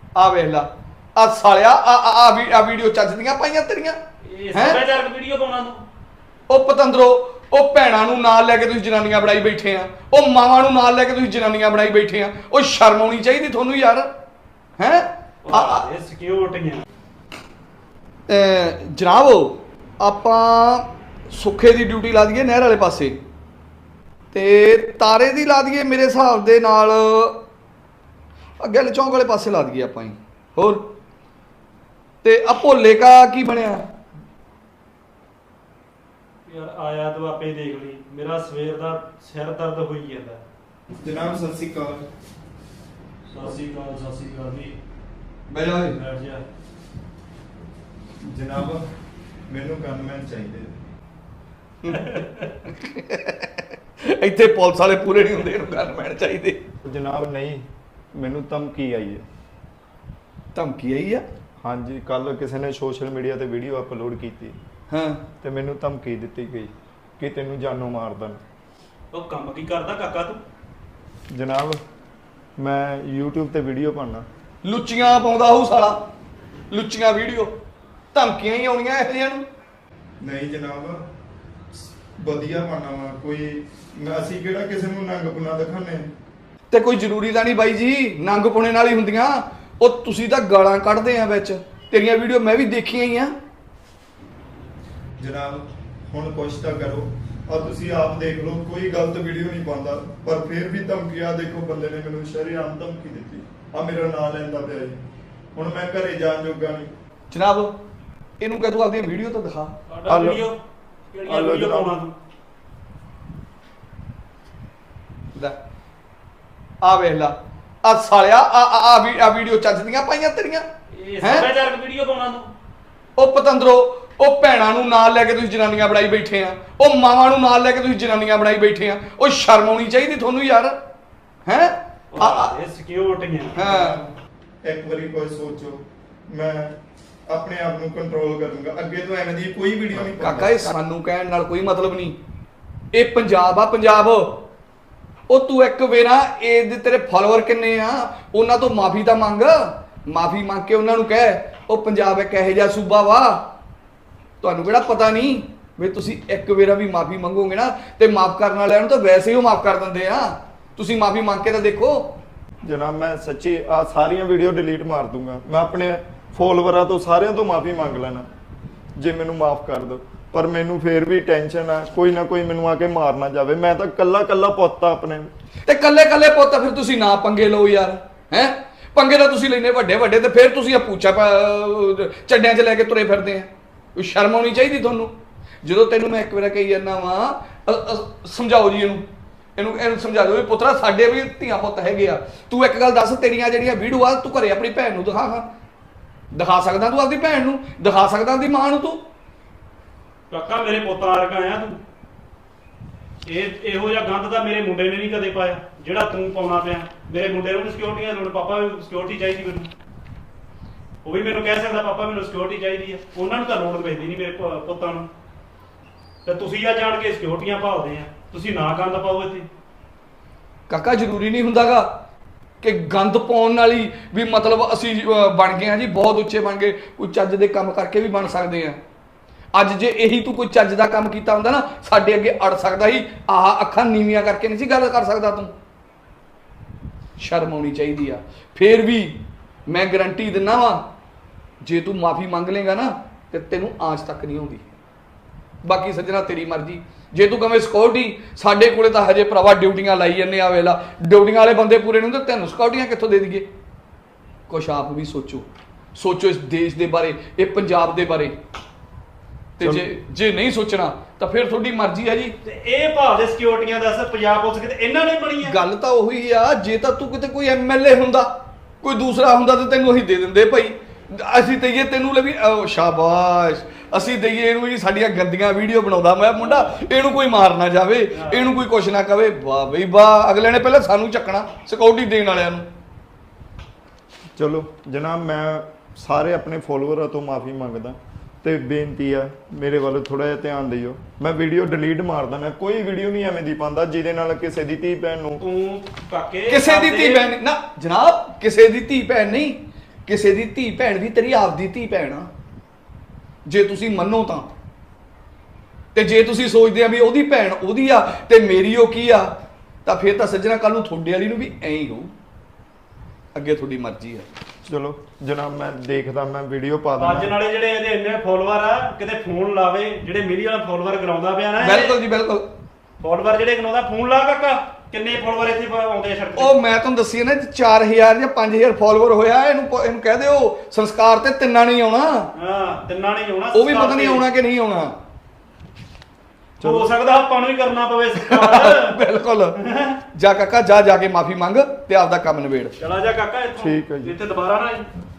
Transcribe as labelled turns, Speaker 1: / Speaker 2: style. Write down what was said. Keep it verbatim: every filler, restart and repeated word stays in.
Speaker 1: ਆ ਵੇਖ ਲਾ ਆ ਸਾਲਿਆ ਆ ਆ ਆ ਵੀਡੀਓ ਚੱਜ ਦੀਆਂ ਪਾਈਆਂ ਤੇਰੀਆਂ
Speaker 2: ਇਹ ਸੱਭਿਆਚਾਰਕ ਵੀਡੀਓ ਪਾਉਣਾ ਤੂੰ
Speaker 1: ਉਹ ਪਤੰਦਰੋ ਉਹ ਭੈਣਾਂ ਨੂੰ ਨਾਲ ਲੈ ਕੇ ਤੁਸੀਂ ਜਨਾਨੀਆਂ ਬਣਾਈ ਬੈਠੇ ਆ ਉਹ ਮਾਵਾਂ ਨੂੰ ਨਾਲ ਲੈ ਕੇ ਤੁਸੀਂ ਜਨਾਨੀਆਂ ਬਣਾਈ ਬੈਠੇ ਆ ਉਹ ਸ਼ਰਮ ਆਉਣੀ ਚਾਹੀਦੀ ਤੁਹਾਨੂੰ ਯਾਰ ਹੈ
Speaker 2: ਇਹ ਸਿਕਿਉਰਟੀਆਂ
Speaker 1: ਜਨਾਬ ਆਪਾਂ ਸੁੱਖੇ ਦੀ ਡਿਊਟੀ ਲਾ ਦਈਏ ਨਹਿਰ ਵਾਲੇ ਪਾਸੇ ਤੇ ਤਾਰੇ ਦੀ ਲਾ ਦਈਏ ਮੇਰੇ ਹਿਸਾਬ ਦੇ ਨਾਲ ਅੱਗੇ ਚੌਂਕ ਵਾਲੇ ਪਾਸੇ ਲਾ ਦਈਏ ਆਪਾਂ ਹੀ ਹੋਰ ਤੇ ਆ ਭੋਲੇ ਕਾ ਕੀ ਬਣਿਆ
Speaker 2: ਯਾਰ ਆਇਆ ਤੂੰ ਆਪੇ ਦੇਖ ਲਈ ਮੇਰਾ ਸਵੇਰ ਦਾ ਸਿਰ ਦਰਦ ਹੋਈ ਜਾਂਦਾ
Speaker 3: ਜਨਾਬ ਸਤਿ ਸ਼੍ਰੀ ਅਕਾਲ
Speaker 2: ਸਤਿ ਸ਼੍ਰੀ ਅਕਾਲ ਸਤਿ ਸ਼੍ਰੀ ਅਕਾਲ ਜੀ
Speaker 3: ਬਹਿ ਜਾ ਓਏ।
Speaker 2: ਬੈਠ ਜਾ
Speaker 3: ਜਨਾਬ ਮੈਨੂੰ ਗਨਮੈਨ ਚਾਹੀਦੇ
Speaker 1: ਇੱਥੇ ਪੁਲਿਸ ਵਾਲੇ ਪੂਰੇ ਨਹੀਂ ਹੁੰਦੇ ਇਹਨੂੰ ਗਨਮੈਨ ਚਾਹੀਦੇ
Speaker 3: ਜਨਾਬ ਨਹੀਂ ਮੈਨੂੰ ਧਮਕੀ ਆਈ ਹੈ
Speaker 1: ਧਮਕੀ ਆਈ ਆ
Speaker 3: ਹਾਂਜੀ ਕੱਲ ਕਿਸੇ ਨੇ ਸੋਸ਼ਲ ਮੀਡੀਆ ਤੇ ਵੀਡੀਓ ਅਪਲੋਡ ਕੀਤੀ
Speaker 1: ਹਾਂ
Speaker 3: ਤੇ ਮੈਨੂੰ ਧਮਕੀ ਦਿੱਤੀ ਗਈ ਕਿ ਤੈਨੂੰ ਜਾਨੋਂ ਮਾਰ ਦੇਣ
Speaker 2: ਉਹ ਕੰਮ ਕੀ ਕਰਦਾ ਕਾਕਾ ਤੂੰ
Speaker 3: ਜਨਾਬ ਮੈਂ YouTube ਤੇ ਵੀਡੀਓ ਪਾਉਣਾ
Speaker 1: ਲੁੱਚੀਆਂ ਪਾਉਂਦਾ ਹੋਊ ਸਾਲਾ ਲੁੱਚੀਆਂ ਵੀਡੀਓ ਧਮਕੀਆਂ ਹੀ ਆਉਣੀਆਂ ਇਹੋ ਜਿਹੀਆਂ ਨੂੰ
Speaker 3: ਨਹੀਂ ਜਨਾਬ ਵਧੀਆ ਪਾਉਣਾ ਵਾ ਕੋਈ ਅਸੀਂ ਕਿਹੜਾ ਕਿਸੇ ਨੂੰ ਨੰਗ ਪੁਣਾ ਦਿਖਾਣੇ
Speaker 1: ਤੇ ਕੋਈ ਜ਼ਰੂਰੀ ਤਾਂ ਨਹੀਂ ਬਾਈ ਜੀ ਨੰਗ ਪੁਣੇ ਨਾਲ ਹੀ ਹੁੰਦੀਆਂ ਉਹ ਤੁਸੀਂ ਤਾਂ ਗਾਲਾਂ ਕੱਢਦੇ ਆ ਵਿੱਚ ਤੇਰੀਆਂ ਵੀਡੀਓ ਮੈਂ ਵੀ ਦੇਖੀਆਂ ਹੀ ਆ
Speaker 3: ਜਨਾਬ ਹੁਣ ਕੁਛ ਤਾਂ ਕਰੋ ਆ ਤੁਸੀਂ ਆਪ ਦੇਖ ਲਓ ਕੋਈ ਗਲਤ ਵੀਡੀਓ ਨਹੀਂ ਪਾਉਂਦਾ ਪਰ ਫਿਰ ਵੀ ਧਮਕੀ ਆ ਦੇਖੋ ਬੰਦੇ ਨੇ ਮੈਨੂੰ ਸ਼ਰੇਆਮ ਧਮਕੀ ਦਿੱਤੀ ਆ ਮੇਰਾ ਨਾਂ ਲੈਂਦਾ ਪਿਆ ਜੀ ਹੁਣ ਮੈਂ ਘਰੇ ਜਾਣ ਜੋਗਾ ਨਹੀਂ
Speaker 1: ਜਨਾਬ ਇਹਨੂੰ ਕਹਿ ਤੂੰ ਆਪਣੀ ਵੀਡੀਓ ਤਾਂ ਦਿਖਾ
Speaker 2: ਸਾਡਾ ਵੀਡੀਓ ਕਿਹੜੀਆਂ ਵੀਡੀਓ ਪਾਉਣਾ ਤੂੰ
Speaker 1: ਲੈ ਆ ਵੇਖ ਲਾ ਆ ਸਾਲਿਆ ਆ ਆ ਆ ਵੀਡੀਓ ਚੱਜ ਦੀਆਂ ਪਾਈਆਂ ਤੇਰੀਆਂ
Speaker 2: ਇਹ ਸੱਭਿਆਚਾਰਕ ਵੀਡੀਓ ਪਾਉਣਾ ਤੂੰ
Speaker 1: ਉਹ ਪਤੰਦਰੋ ਉਹ ਭੈਣਾਂ ਨੂੰ ਨਾਲ ਲੈ ਕੇ ਤੁਸੀਂ ਜਨਾਨੀਆਂ ਬਣਾਈ ਬੈਠੇ ਆ ਉਹ ਮਾਵਾਂ ਨੂੰ ਨਾਲ ਲੈ ਕੇ ਤੁਸੀਂ ਜਨਾਨੀਆਂ ਬਣਾਈ ਬੈਠੇ ਆ ਉਹ ਸ਼ਰਮ ਆਉਣੀ ਚਾਹੀਦੀ ਤੁਹਾਨੂੰ ਯਾਰ ਹੈ
Speaker 2: ਇਹ ਸਿਕਿਉਰਟੀਆਂ
Speaker 1: ਹਾਂ
Speaker 3: ਇੱਕ ਵਾਰੀ ਕੋਈ ਸੋਚੋ ਮੈਂ ਆਪਣੇ ਆਪ ਨੂੰ ਕੰਟਰੋਲ ਕਰੂੰਗਾ ਅੱਗੇ ਤੋਂ ਐਵੇਂ ਦੀ ਕੋਈ ਵੀਡੀਓ ਨਹੀਂ
Speaker 1: ਕਾਕਾ ਇਹ ਸਾਨੂੰ ਕਹਿਣ ਨਾਲ ਕੋਈ ਮਤਲਬ ਨਹੀਂ ਇਹ ਪੰਜਾਬ ਆ ਪੰਜਾਬ ਉਹ ਤੂੰ ਇੱਕ ਵੇਰਾ ਇਹਦੇ ਤੇਰੇ ਫਾਲੋਅਰ ਕਿੰਨੇ ਆ ਉਹਨਾਂ ਤੋਂ ਮਾਫੀ ਤਾਂ ਮੰਗ ਮਾਫੀ ਮੰਗ ਕੇ ਉਹਨਾਂ ਨੂੰ ਕਹਿ ਉਹ ਪੰਜਾਬ ਇੱਕ ਇਹੋ ਜਿਹਾ ਸੂਬਾ ਵਾ ਤੁਹਾਨੂੰ ਕਿਹੜਾ ਪਤਾ ਨਹੀਂ ਵੀ ਤੁਸੀਂ ਇੱਕ ਵੇਰਾ ਵੀ ਮਾਫੀ ਮੰਗੋਗੇ ਨਾ ਤੇ ਮਾਫ ਕਰਨ ਵਾਲਿਆਂ ਨੂੰ ਤਾਂ ਵੈਸੇ ਹੀ ਉਹ ਮਾਫ ਕਰ ਦਿੰਦੇ ਆ ਤੁਸੀਂ ਮਾਫੀ ਮੰਗ ਕੇ ਤਾਂ ਦੇਖੋ
Speaker 3: ਜਨਾਬ ਮੈਂ ਸੱਚੀ ਆ ਸਾਰੀਆਂ ਵੀਡੀਓ ਡਿਲੀਟ ਮਾਰ ਦੂੰਗਾ ਮੈਂ ਆਪਣੇ ਫੋਲੋਵਰਾਂ ਤੋਂ ਸਾਰਿਆਂ ਤੋਂ ਮਾਫੀ ਮੰਗ ਲੈਣਾ ਜੇ ਮੈਨੂੰ ਮਾਫ ਕਰ ਦਿਓ ਪਰ ਮੈਨੂੰ ਫੇਰ ਵੀ ਟੈਨਸ਼ਨ ਆ ਕੋਈ ਨਾ ਕੋਈ ਮੈਨੂੰ ਆ ਕੇ ਮਾਰ ਨਾ ਜਾਵੇ ਮੈਂ ਤਾਂ ਕੱਲਾ ਕੱਲਾ ਪੁੱਤ ਆ ਆਪਣੇ
Speaker 1: ਤੇ ਕੱਲੇ ਕੱਲੇ ਪੁੱਤ ਫਿਰ ਤੁਸੀਂ ਨਾ ਪੰਗੇ ਲਓ ਯਾਰ ਹੈ ਪੰਗੇ ਤਾਂ ਤੁਸੀਂ ਲੈਨੇ ਵੱਡੇ ਵੱਡੇ ਤੇ ਫਿਰ ਤੁਸੀਂ ਆ ਪੂਛਾ ਚੱਡਿਆਂ 'ਚ ਲੈ ਕੇ ਤੁਰੇ ਫਿਰਦੇ ਆ ਕੋਈ ਸ਼ਰਮ ਆਉਣੀ ਚਾਹੀਦੀ ਤੁਹਾਨੂੰ ਜਦੋਂ ਤੈਨੂੰ ਮੈਂ ਇੱਕ ਵਾਰ ਕਹੀ ਜਾਂਦਾ ਵਾਂ ਸਮਝਾਓ ਜੀ ਇਹਨੂੰ ਇਹਨੂੰ ਇਹਨੂੰ ਸਮਝਾ ਦਿਓ ਵੀ ਪੁੱਤਰਾ ਸਾਡੇ ਵੀ ਧੀਆਂ ਪੁੱਤ ਹੈਗੇ ਆ ਤੂੰ ਇੱਕ ਗੱਲ ਦੱਸ ਤੇਰੀਆਂ ਜਿਹੜੀਆਂ ਵੀਡੀਓ ਆ ਤੂੰ ਘਰੇ ਆਪਣੀ ਭੈਣ ਨੂੰ ਦਿਖਾ ਹਾਂ ਦਿਖਾ ਸਕਦਾ ਤੂੰ ਆਪਦੀ ਭੈਣ ਨੂੰ ਦਿਖਾ ਸਕਦਾ ਆਪਦੀ ਮਾਂ ਨੂੰ ਤੂੰ
Speaker 2: ਕਾਕਾ ਮੇਰੇ ਪੁੱਤ ਵਰਗਾ ਆ ਤੂੰ ਇਹ ਇਹੋ ਜਿਹਾ ਗੰਦ ਤਾਂ ਮੇਰੇ ਮੁੰਡੇ ਨੇ ਨਹੀਂ ਕਦੇ ਪਾਇਆ ਜਿਹੜਾ ਤੂੰ ਪਾਉਣਾ ਪਿਆ ਮੇਰੇ ਮੁੰਡੇ ਨੂੰ ਸਿਕਿਉਰਟੀਆਂ ਲੋੜ ਪਾਪਾ ਨੂੰ ਸਿਕਿਉਰਟੀ ਚਾਹੀਦੀ ਮੈਨੂੰ ਉਹ ਵੀ ਮੈਨੂੰ ਕਹਿ ਸਕਦਾ ਪਾਪਾ ਮੈਨੂੰ ਸਿਕਿਉਰਟੀ ਚਾਹੀਦੀ ਆ ਉਹਨਾਂ ਨੂੰ ਤਾਂ ਲੋੜ ਪੈਂਦੀ ਨਹੀਂ ਮੇਰੇ ਪੁੱਤਾਂ ਨੂੰ ਤੇ ਤੁਸੀਂ ਆ ਜਾਣ ਕੇ ਸਿਕਿਉਰਟੀਆਂ ਭਾਲਦੇ ਆ ਤੁਸੀਂ ਨਾ ਗੰਦ ਪਾਓ ਇੱਥੇ
Speaker 1: ਕਾਕਾ ਜ਼ਰੂਰੀ ਨਹੀਂ ਹੁੰਦਾਗਾ ਕਿ ਗੰਦ ਪਾਉਣ ਵਾਲੀ ਵੀ ਮਤਲਬ ਅਸੀਂ ਬਣ ਗਏ ਹਾਂ ਜੀ ਬਹੁਤ ਉੱਚੇ ਬਣ ਗਏ ਕੋਈ ਚੱਜ ਦੇ ਕੰਮ ਕਰਕੇ ਵੀ ਬਣ ਸਕਦੇ ਆ ਅੱਜ ਜੇ ਇਹੀ ਤੂੰ ਕੋਈ ਚੱਜ ਦਾ ਕੰਮ ਕੀਤਾ ਹੁੰਦਾ ਨਾ ਸਾਡੇ ਅੱਗੇ ਅੜ ਸਕਦਾ ਸੀ ਆਹ ਅੱਖਾਂ ਨੀਵੀਆਂ ਕਰਕੇ ਨਹੀਂ ਸੀ ਗੱਲ ਕਰ ਸਕਦਾ ਤੂੰ ਸ਼ਰਮ ਆਉਣੀ ਚਾਹੀਦੀ ਆ ਫੇਰ ਵੀ ਮੈਂ ਗਰੰਟੀ ਦਿੰਦਾ ਵਾਂ ਜੇ ਤੂੰ ਮਾਫੀ ਮੰਗ ਲੇਗਾ ਨਾ ਤੇ ਤੈਨੂੰ ਆਂਚ ਤੱਕ ਨਹੀਂ ਆਉਂਦੀ ਬਾਕੀ ਸੱਜਣਾ ਤੇਰੀ ਮਰਜ਼ੀ ਜੇ ਤੂੰ ਕਵੇਂ ਸਿਕਿਉਰਟੀ ਸਾਡੇ ਕੋਲੇ ਤਾਂ ਹਜੇ ਭਰਾਵਾ ਡਿਊਟੀਆਂ ਲਾਈ ਜਾਂਦੇ ਆ ਵੇਲਾ ਡਿਊਟੀਆਂ ਵਾਲੇ ਬੰਦੇ ਪੂਰੇ ਨਹੀਂ ਹੁੰਦੇ ਤੈਨੂੰ ਸਿਕਿਉਰਟੀਆਂ ਕਿੱਥੋਂ ਦੇ ਦਈਏ ਕੁਛ ਆਪ ਵੀ ਸੋਚੋ ਸੋਚੋ ਇਸ ਦੇਸ਼ ਦੇ ਬਾਰੇ ਇਹ ਪੰਜਾਬ ਦੇ ਬਾਰੇ ਤੇ ਜੇ ਜੇ ਨਹੀਂ ਸੋਚਣਾ ਤਾਂ ਫਿਰ ਤੁਹਾਡੀ ਮਰਜ਼ੀ ਹੈ ਜੀ
Speaker 2: ਤੇ ਇਹ ਭਾਅ ਦੇ ਸਿਕਿਉਰਟੀਆਂ ਦੱਸ ਪੰਜਾਬ ਪੁਲਿਸ ਕਿਤੇ ਇਹਨਾਂ ਨੇ ਬਣੀ ਆ
Speaker 1: ਗੱਲ ਤਾਂ ਉਹੀ ਆ ਜੇ ਤਾਂ ਤੂੰ ਕਿਤੇ ਕੋਈ ਐਮਐਲਏ ਹੁੰਦਾ ਕੋਈ ਦੂਸਰਾ ਹੁੰਦਾ ਤਾਂ ਤੈਨੂੰ ਅਸੀਂ ਦੇ ਦਿੰਦੇ ਭਾਈ ਅਸੀਂ ਦਈਏ ਤੈਨੂੰ ਲੈ ਵੀ ਸ਼ਾਬਾਸ਼ ਅਸੀਂ ਦਈਏ ਇਹਨੂੰ ਜੀ ਸਾਡੀਆਂ ਗੰਦੀਆਂ ਵੀਡੀਓ ਬਣਾਉਂਦਾ ਮੈਂ ਮੁੰਡਾ ਇਹਨੂੰ ਕੋਈ ਮਾਰ ਨਾ ਜਾਵੇ ਇਹਨੂੰ ਕੋਈ ਕੁਛ ਨਾ ਕਵੇ ਵਾਹ ਬਈ ਵਾਹ ਅਗਲੇ ਨੇ ਪਹਿਲਾਂ ਸਾਨੂੰ ਚੱਕਣਾ ਸਿਕਿਉਰਟੀ ਦੇਣ ਵਾਲਿਆਂ ਨੂੰ
Speaker 3: ਚਲੋ ਜਨਾਬ ਮੈਂ ਸਾਰੇ ਆਪਣੇ ਫੋਲੋਵਰਾਂ ਤੋਂ ਮਾਫੀ ਮੰਗਦਾ ਤੇ ਬੇਨਤੀ ਆ ਮੇਰੇ ਵੱਲ ਥੋੜਾ ਜਿਹਾ ਧਿਆਨ ਦਿਓ ਮੈਂ ਵੀਡੀਓ ਡਿਲੀਟ ਮਾਰ ਦਿੰਦਾ ਕੋਈ ਵੀਡੀਓ ਨਹੀਂ ਐਵੇਂ ਦੀ ਪਾਉਂਦਾ ਜਿਹਦੇ ਨਾਲ ਕਿਸੇ ਦੀ ਧੀ ਭੈਣ ਨੂੰ
Speaker 2: ਤੂੰ ਕਾਕੇ
Speaker 1: ਕਿਸੇ ਦੀ ਧੀ ਭੈਣ ਨਾ ਜਨਾਬ ਕਿਸੇ ਦੀ ਧੀ ਭੈਣ ਨਹੀਂ ਕਿਸੇ ਦੀ ਧੀ ਭੈਣ ਵੀ ਤੇਰੀ ਆਪਦੀ ਧੀ ਭੈਣ ਆ, ਜੇ ਤੁਸੀਂ ਮੰਨੋ ਤਾਂ। ਤੇ ਜੇ ਤੁਸੀਂ ਸੋਚਦੇ ਆ ਵੀ ਉਹਦੀ ਭੈਣ ਉਹਦੀ ਆ ਤੇ ਮੇਰੀ ਉਹ ਕੀ ਆ, ਤਾਂ ਫਿਰ ਤਾਂ ਸੱਜਣਾ ਕੱਲ ਨੂੰ ਤੁਹਾਡੇ ਵਾਲੀ ਨੂੰ ਵੀ ਐਂ ਹੀ ਹੋਊ। ਅੱਗੇ ਤੁਹਾਡੀ ਮਰਜ਼ੀ ਆ।
Speaker 3: ਚਲੋ ਜਨਾਬ ਮੈਂ ਦੇਖਦਾ, ਮੈਂ ਵੀਡੀਓ ਪਾ
Speaker 2: ਅੱਜ
Speaker 3: ਦਿੰਦਾ।
Speaker 2: ਨਾਲੇ ਜਿਹੜੇ ਇਹਦੇ ਇੰਨੇ ਫੋਲੋਅਰ ਆ, ਕਿਤੇ ਫੋਨ ਲਾਵੇ, ਜਿਹੜੇ ਮੇਰੀ ਵਾਲਾ ਫੋਲੋਅਰ ਕਰਾਉਂਦਾ ਪਿਆ ਨਾ,
Speaker 1: ਬਿਲਕੁਲ ਜੀ ਬਿਲਕੁਲ।
Speaker 2: ਫੋਲੋਅਰ ਜਿਹੜੇ ਕਰਾਉਂਦਾ, ਫੋਨ ਲਾ ਕਾਕਾ, ਕਿੰਨੇ ਫੋਲੋਅਰ ਇੱਥੇ ਆਉਂਦੇ ਆ ਸੜਕ ਤੇ।
Speaker 1: ਉਹ ਮੈਂ ਤੁਹਾਨੂੰ ਦੱਸੀ ਨਾ ਚਾਰ ਹਜ਼ਾਰ ਜਾਂ ਪੰਜ ਹਜ਼ਾਰ ਫਾਲੋਅਰ ਹੋਇਆ, ਇਹਨੂੰ ਪ- ਇਹਨੂੰ ਕਹਿ ਦਿਓ ਸੰਸਕਾਰ ਤੇ ਤਿੰਨਾਂ ਨਹੀਂ ਆਉਣਾ।
Speaker 2: ਹਾਂ, ਤਿੰਨਾਂ ਨਹੀਂ ਆਉਣਾ।
Speaker 1: ਉਹ ਵੀ ਪਤਾ ਨਹੀਂ ਆਉਣਾ ਕਿ ਨਹੀਂ ਆਉਣਾ।
Speaker 2: ਹੋ ਸਕਦਾ ਆਪਾਂ ਨੂੰ ਹੀ ਕਰਨਾ ਪਵੇ ਸੰਸਕਾਰ।
Speaker 1: ਬਿਲਕੁਲ। ਜਾ ਕਾਕਾ ਜਾ ਜਾ ਕੇ ਮਾਫੀ ਮੰਗ ਤੇ ਆਪਦਾ ਕੰਮ ਨਿਬੇੜ।
Speaker 2: ਚਲਾ ਜਾ ਕਾਕਾ ਇੱਥੋਂ,
Speaker 3: ਠੀਕ ਹੈ ਜੀ।
Speaker 2: ਇੱਥੇ ਦੁਬਾਰਾ ਨਾ